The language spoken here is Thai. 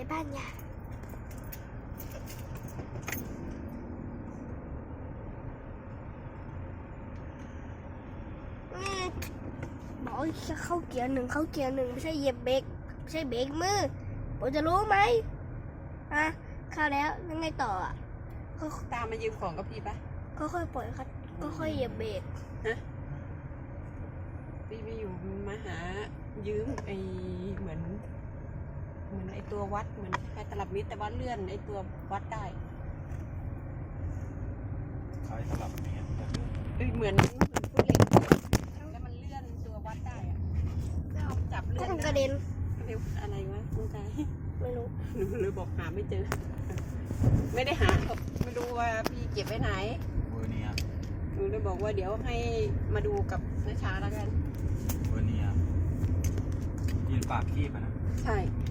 บ้านยาบอกจะเข้าเกียร์หนึ่งไม่ใช่เหยียบเบรกไม่ใช่เบรกมือผมจะรู้ไหมเข้าแล้วยังไงต่อตามมายืมของกับพี่ปะก็ค่อยปล่อยครับก็ค่อยเหยียบเบรกพี่ไม่อยู่มาหายืมเหมือนไอตัววัดเหมือนแค่ตลับเมตรแต่ว่าเลื่อนไอตัววัดได้คล้ายตลับเมตรเหมือนผู้เหล็กแล้วมันเลื่อนตัววัดได้อะจับเลื่อนกระเด็นอะไรวะคุณชายไม่รู้หนูเลยบอกหาไม่เจอไม่ได้หาไม่รู้ว่าพี่เก็บไว้ไหนเบอร์นี้หนูเลยบอกว่าเดี๋ยวให้มาดูกับน้าชาแล้วกันเบอร์นี้ยืนปากคีบนะใช่